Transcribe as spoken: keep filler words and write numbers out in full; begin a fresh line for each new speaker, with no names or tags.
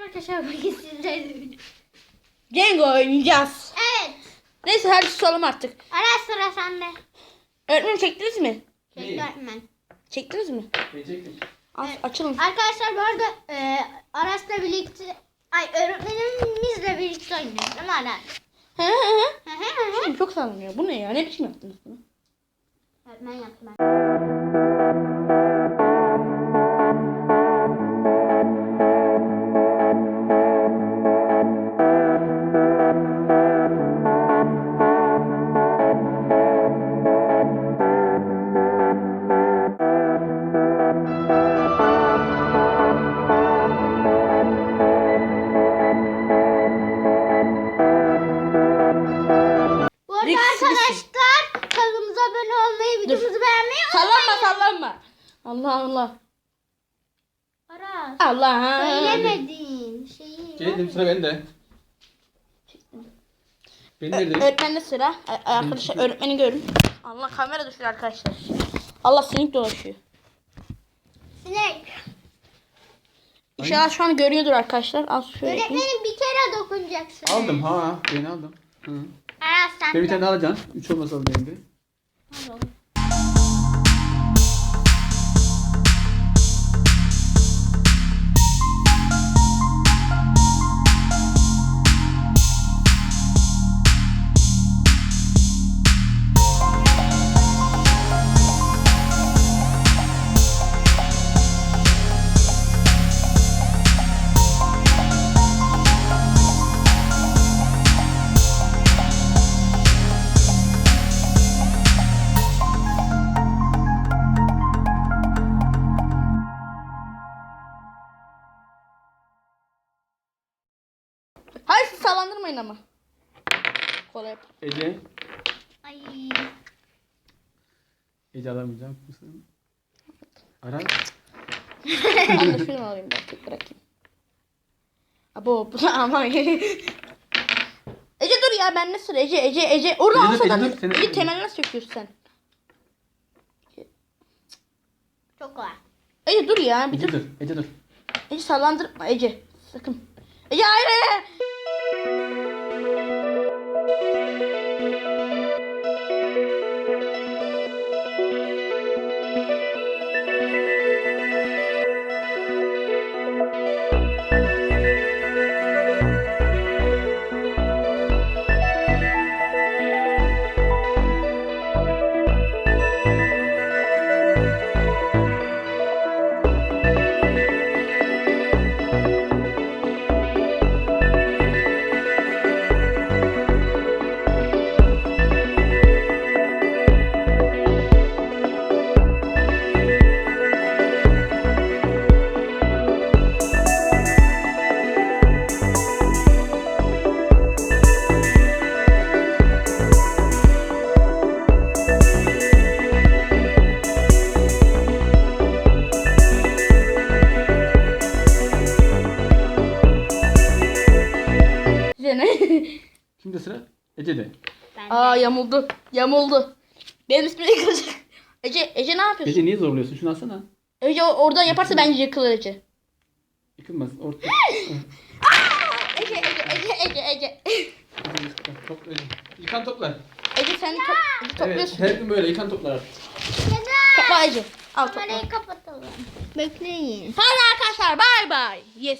Arkadaşlar bugün sizlerle
Cengo oynayacağız.
Evet.
Neyse hadi susalım artık.
Ara sıra sende.
Öğretmenim çektiniz mi?
Çekti öğretmen.
Çektiniz mi?
Çektim.
Aç,
Evet.
Açılın.
Arkadaşlar bu arada e, Aras'la birlikte ay öğretmenimizle birlikte oynuyoruz değil mi Aras?
He he he.
Hı hı hı hı.
Şimdi çok sallanıyor. Bu ne ya? Ne biçim yaptınız bunu?
Öğretmen yaptı ben. Bu arada
Risk,
arkadaşlar kanalımıza abone olmayı, videomuzu beğenmeyi
Sallanma sallanma. Allah Allah.
Aras.
Allah.
Söylemedin şeyi.
Geldim sıra bende. Ben nerede?
Öğretmende sıra. A- Arkadaşlar öğretmeni görün. Allah kamera düşüyor arkadaşlar. Allah sinik dolaşıyor.
Sinek.
İnşallah şu an görüyordur arkadaşlar. Az şöyle yapayım.
Öğretmenim bir kere dokunacaksın.
Aldım ha. Beni aldım. Hı.
Aras sen
Ben bir
de.
tane daha alacaksın. Üç olmasa aldım benim de.
Hayır siz sallandırmayın ama. Kolay yap.
Ece.
Ay.
Ece alamayacak mısın? Aras.
Ben de şunu alayım bak tek bırakayım. Abo bu da ama. Ece dur ya ben ne sıra Ece Ece Ece. Orada
Ece dur,
alsa
Ece
da
dur, sen-
Ece temel nasıl söküyorsun sen?
Çok kolay.
Ece dur ya bir
Ece
dur.
dur. Ece dur.
Ece sallandırma Ece. Sakın. Ece hayır hayır. Ece ne?
Şimdi sıra Ece'de.
Ben
Aa yamuldu. Yamuldu. Benim ismim yıkılacak. Ece Ece ne yapıyorsun?
Ece niye zorluyorsun? Şunu alsana.
Ece o- oradan yaparsa bence yıkılır Ece.
Yıkılmaz. Orta.
Ece Ece Ece Ece Ece.
Topla Ece. Yıkan toplar.
Ece sen top, Ece
Evet.
topluyorsun.
Her gün böyle yıkan toplar artık.
Topla Ece. Al topla.
kamerayı kapatalım. Bekleyin.
Hadi arkadaşlar bay bay. Yes.